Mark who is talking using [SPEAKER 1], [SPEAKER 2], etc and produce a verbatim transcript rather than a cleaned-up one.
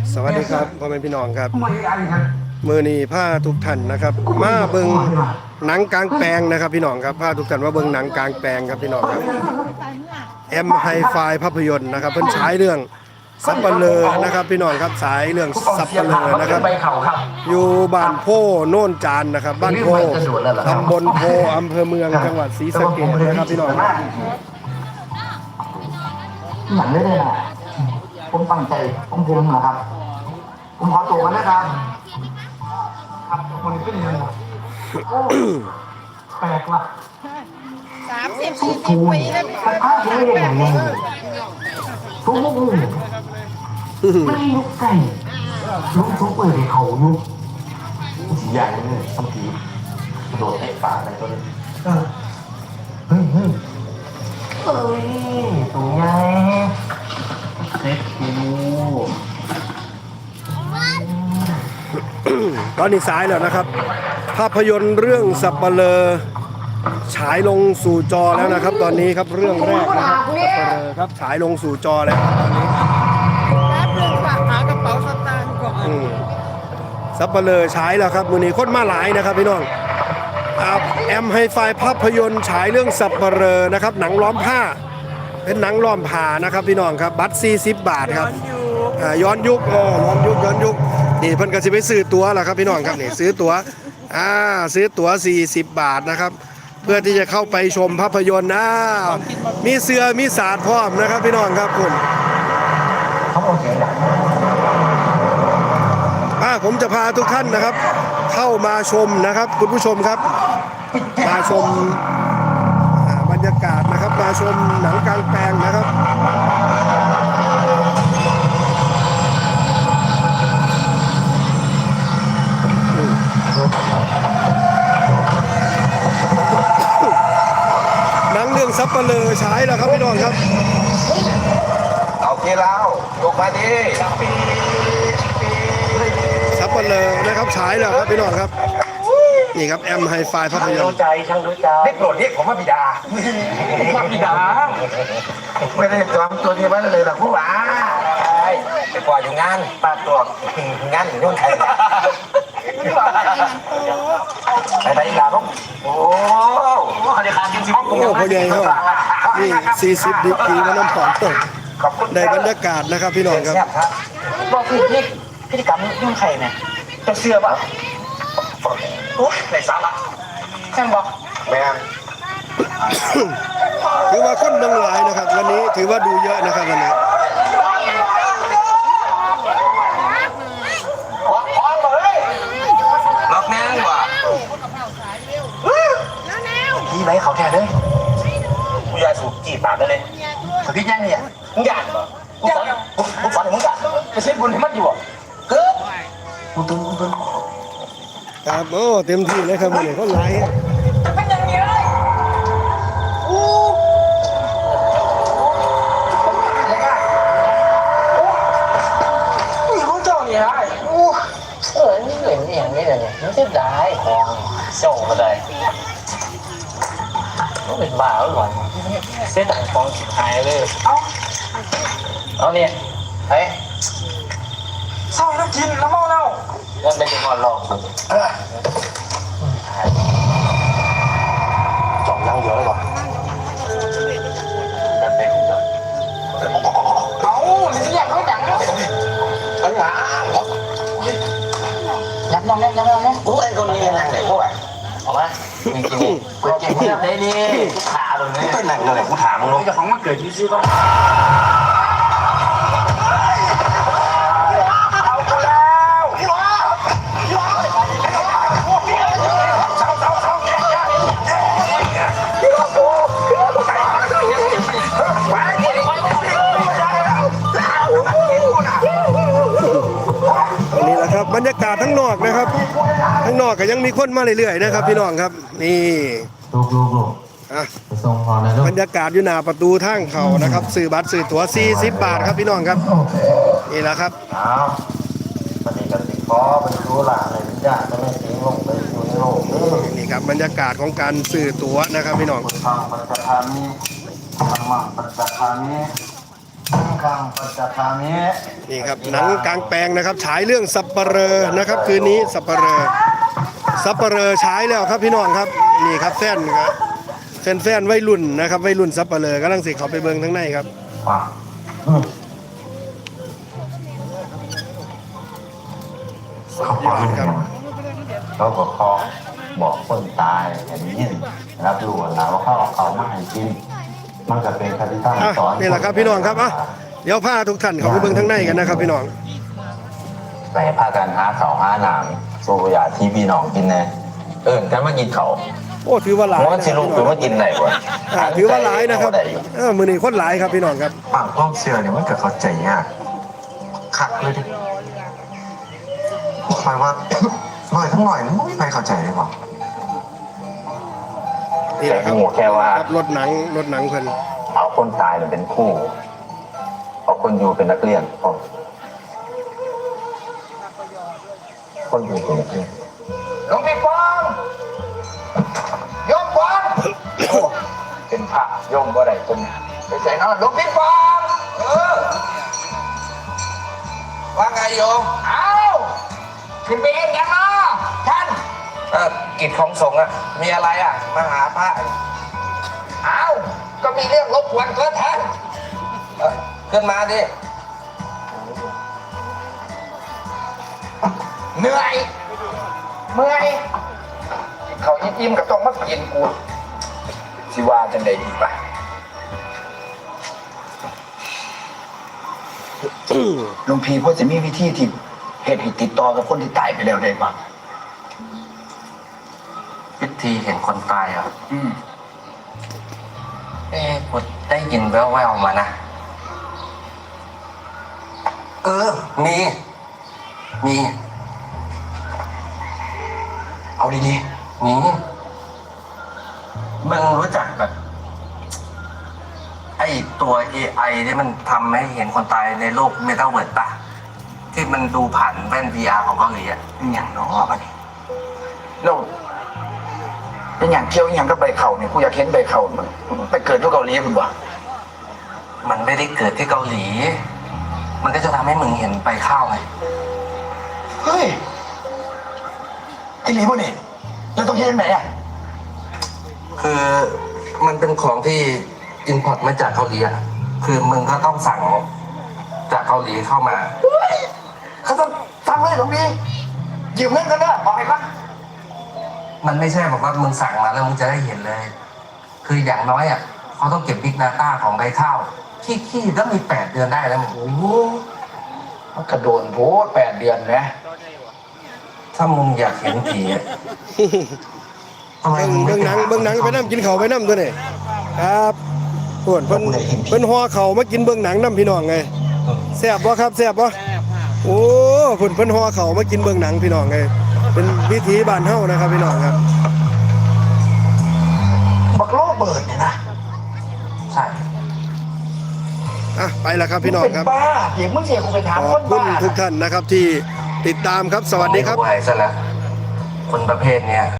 [SPEAKER 1] สวัสดีครับพ่อแม่พี่น้องครับมือนี้ผ้าทุกท่านนะครับมาเบิ่งหนังกลางแปลงนะครับพี่น้องครับผ้าทุกท่านมาเบิ่งหนังกลางแปลงครับพี่น้องครับแอมไฮไฟภาพยนตร์นะครับเพิ่นฉายเรื่องสัปเหร่อนะครับพี่น้องครับฉายเรื่องสัปเหร่อนะครับอยู่บ้านโพโน่นจานนะครับบ้านโพตำบลโพอำเภอเมืองจังหวัดศรีสะเกษนะครับพี่น้องครับ
[SPEAKER 2] หนังได้เลยนะผมตั้งใจผมภูมินะครับผมขอตัวกันนะครับครับคนนี้เป็นยังไงแปลกว่ะ
[SPEAKER 3] สามสิบสี่สิบปีแล้วพี่
[SPEAKER 2] ข้าวเยอะอย่างนี้ทุกมุกไม่ยุกไก่ลุกทุกเปิดเขายุกสีใหญ่เลยสัมผีโดดไอ้ป่าอะไรตัวนี้เฮ้ยเฮ้ยเฮ้ยตัวใหญ่เซ็ตคิว
[SPEAKER 1] ตอนนี้สายแล้วนะครับภาพยนตร์เรื่องสัปเหร่อฉายลงสู่จอแล้วนะครับตอนนี้ครับเรื่องแรกนะครับสัปเหร่อครับฉายลงสู่จอแล้วตอนนี้
[SPEAKER 3] แป๊บนึงฝากหากระเป๋าสตางค์ก่อน
[SPEAKER 1] สัปเหร่อฉายแล้วครับมื้อนี้คนมาหลายนะครับพี่น้องแอมไฮไฟภาพยนตร์ฉายเรื่องสัปเหร่อนะครับหนังล้อมผ้าเป็นหนังล้อมผ้านะครับพี่น้องครับบัตรสี่สิบบาทครับย้อนยุคเออย้อนยุคย้อนยุคนี่เพิ่นก็สิไปซื้อตั๋วล่ะครับพี่น้องครับนี่ซื้อตั๋วอ่าซื้อตั๋วสี่สิบบาทนะครับเพื่อที่จะเข้าไปชมภาพยนตร์นะมีเสือมีศาสตร์พร้อมนะครับพี่น้องครับคุณอ่าผมจะพาทุกท่านนะครับเข้ามาชมนะครับคุณผู้ชมครับมาชมบรรยากาศนะครับมาชมหนังกลางแปลงนะครับหนังเรื่องสัปเหร่อฉายแล้วครับพี่น้องครับ
[SPEAKER 2] เอาเกล้าวลงมาดิ
[SPEAKER 1] สัปเหร่อนะครับฉายแล้วครับพี่น้องครับนี่ครับแอมไฮไฟภาพยนตร์
[SPEAKER 2] รู้ใจช่างรู้ใจเรียกโปรดเรียกผมว่าบิดาว่าบิดาไม่ได้จอมตัวนี้ไว้เลยหรอกผู้ว่าไปปล่อยอยู่งานปาตัวงานอยู่นู่นใครไปไปอีกแล้วโอ้โหเขาจะขาดจริงๆ
[SPEAKER 1] โอ้พ่อใหญ่เขานี่สี่สิบดิกีมันน้ำหอมตกในบรรยากาศนะครับพี่น้องครับ
[SPEAKER 2] บอกคือนี่พฤติกรรมยุ่งใครเนี่ยจะเชื่อป่ะโอ้ยในสาระแค่บอกแม่
[SPEAKER 1] ถือว่าคนเมืองหลายนะครับวันนี้ถือว่าดูเยอะนะครับวันนี้
[SPEAKER 2] ล็อกแน่ว่ะพี่ไหมเขาแทนเลยกูยาสูบจีบปากได้เลยแต่พี่แย่งเนี่ยมึงอยากเหรอกูสอนกูสอนให้มึงอยากไปเช็ดบุญให้มันอยู่อ่ะเฮ้ยกูตึงกูตึง
[SPEAKER 1] ครับโอ้เต็มที่เลยครับวันนี้คนหลาย
[SPEAKER 2] เป็นอย่างนี้เลยอู้นี่เขาเจ้าเนี่ยไอ้อู้เออนี่เหลืองอย่างนี้เลยมันจะได้ของโซ่ก็ได้ต้องเป็นบ้าแล้วก่อนเส้นของฟองสุดท้ายเลยเอาเอาเนี่ยเฮ้ยเศร้าแล้วกินแล้วเมาแล้วนั่นเป็นยังไงหรอกจ่องนั่งเยอะก่อนนั่นเป็นเอาสิอยากเขาดังแล้วไอ้หายับน้องยับน้องยับน้องอู้ไอ้คนนี้นั่งไหนพวกเอามาจริงจริงกูเก่งมากเลยนี่กูขาตรงนี้ไม่หนักเลยกูถามมึงรู้จะของมันเกิดที่ชื่อต้อง
[SPEAKER 1] นี่แหละครับบรรยากาศทั้งนอกนะครับทั้งนอกก็ยังมีคนมาเรื่อยๆนะครับพี่น้องครับนี่บรรยากาศอยู่หน้าประตูทางเขานะครับซื้อบัตรซื้อตั๋วสี่สิบบาทครับพี่น้องครับนี่แหละครับ
[SPEAKER 2] ปฏิบัติขอเป็นรู้หลาเลยญาติไม่ทิ้งลงไปอยู่ในโลก
[SPEAKER 1] นี่ครับบรรยากาศของการซื้อตั๋วนะครับพี่น้อง
[SPEAKER 2] ทางปัจจุบันนี้ทางปัจจุบันนี้คังปัจจคามิ
[SPEAKER 1] นี่ครับหนังกลางแปลงนะครับฉายเรื่องสัปเหร่อนะครับคืนนี้สัปเหร่อสัปเหร่อฉายแล้วครับพี่น้องครับนี่ครับแฟนครับแฟนแฟนวัยรุ่นนะครับวัยรุ่นสัปเหร่อกำลังสิเขาไปเบิ่งทั้งในครับ
[SPEAKER 2] ป่ะอืมเขาบอกให้ยังเขาก็ขอบอกคนตายอย่างนี้รับรู้แล้วว่าเขาเอาเขามาให้กินมันก็เป็นคติตั้ง
[SPEAKER 1] อ่ะ
[SPEAKER 2] สอน
[SPEAKER 1] นี่แหละครับพี่น้องครับอ่ะเดี๋ยวพาทุกท่านเขาไปเบิ่งทั้งในกันนะครับพี่น้อง
[SPEAKER 2] ไปพากันหาเขาวหาหนังสู้ยาที่พี่น้องกินแน่เอิญกันมากินเขา
[SPEAKER 1] โอ้ถือว่าหลาย
[SPEAKER 2] เพราะว่าสิลูกถือว่ากินไหนวะ
[SPEAKER 1] อ่ะถือว่าหลายนะครับเออมือนี้คนหลายครับพี่น้องครับ
[SPEAKER 2] ปากความเชื่อเนี่ยมันเกิดเข้าใจยากคักเลยดิคอยว่าหน่อยทั้งหน่อยมันไม่มีใครเข้าใจเลยว่ะ
[SPEAKER 1] นี่แหละครับ
[SPEAKER 2] แค่ว่า
[SPEAKER 1] ครับรถหนังรถหนังเพิ่น
[SPEAKER 2] เอาคนตายเป็นคู่เอาคนอยู่เป็นนักเรียนพอคนอยู่เป็นนักเรียนหลวงพี่ฟองโยมฟองเป็นพระโยมบ่ได้คนไปใส่นอนหลวงพี่ฟองเออว่าไงโยมเอาขึ้นไปเองยังเนาะท่านเออกิจของสงฆ์อะมีอะไรอะมาหาพระเอาก็มีเรื่องรบกวนก็ท่านเออขึ้นมาดิเหนื่อยเมื่อยเขายิ้มๆกับต้องมากินกูสิว่าจังใดดีป่ะหลวงพี่พ่อจะมีวิธีที่เหตุให้ติดต่อกับคนที่ตายไปแล้วได้ป่ะวิธีเห็นคนตายอ่ะอืมเอ๊ะกูได้ยินแว่วๆมานะเออมีมีเอาดีๆมีมึงรู้จักแบบไอ้ตัว เอ ไอ ที่มันทำให้เห็นคนตายในโลกเมตาเวิร์สปะที่มันดูผ่านแว่น วี อาร์ ของเกาหลีอ่ะอย่างน้อยมันเราเป็นอย่างเที่ยวอย่างก็ใบเข่าเนี่ยกูอยากเห็นใบเข่ามันไปเกิดที่เกาหลีคุณวะมันไม่ได้เกิดที่เกาหลี มันก็จะทำให้มึงเห็นใบข้าวไงเฮ้ยไอ้หลีพวกนี้แล้วต้องเห็นไหนอ่ะคือมันเป็นของที่อินพอร์ตมาจากเกาหลีอ่ะคือมึงก็ต้องสั่งจากเกาหลีเข้ามาเขาต้องสั่งเลยตรงนี้ยืมเงินกันนะบอกให้ปะมันไม่ใช่บอกว่ามึงสั่งมาแล้วมึงจะได้เห็นเลย คืออย่างน้อยอ่ะเขาต้องเก็บบิ๊กดาต้าของใบข้าวขี้ขี้ก็มีแปดเดือนได้แล้วมึงโอ้โหมันกระโดดโผล่แปดเดือนนะถ้ามึงอยากเห็นผีอะทำไม
[SPEAKER 1] เบิ่ง
[SPEAKER 2] มึงไม่
[SPEAKER 1] เบิ่งหนังเบิ่งหนังไปน้ำกินเขาวไปน้ำตัวนี่ครับเพิ่นเพิ่นเพิ่นห่อเขาวมากินเบิ่งหนังน้ำพี่น้องไงแซ่บบ่ครับแซ่บบ่โอ้เพิ่นเพิ่นห่อเขาวมากินเบิ่งหนังพี่น้องไงเป็นวิถีบ้านเฮานะครับพี่น้องครับ
[SPEAKER 2] บักโลเบิร์ดเนี่ยนะใช่
[SPEAKER 1] อ่ะไปแล้วครับพี่น้องครับ
[SPEAKER 2] บ้าเดี๋ยวมึงเสียกูไปถาม
[SPEAKER 1] ข
[SPEAKER 2] ค
[SPEAKER 1] อบ
[SPEAKER 2] น
[SPEAKER 1] คุณ
[SPEAKER 2] บ้า
[SPEAKER 1] ทุกท่านนะครับที่ติดตามครับสวัสดีครับ
[SPEAKER 2] ไม่ไหวซะแล้วคนประเภทเนี้ย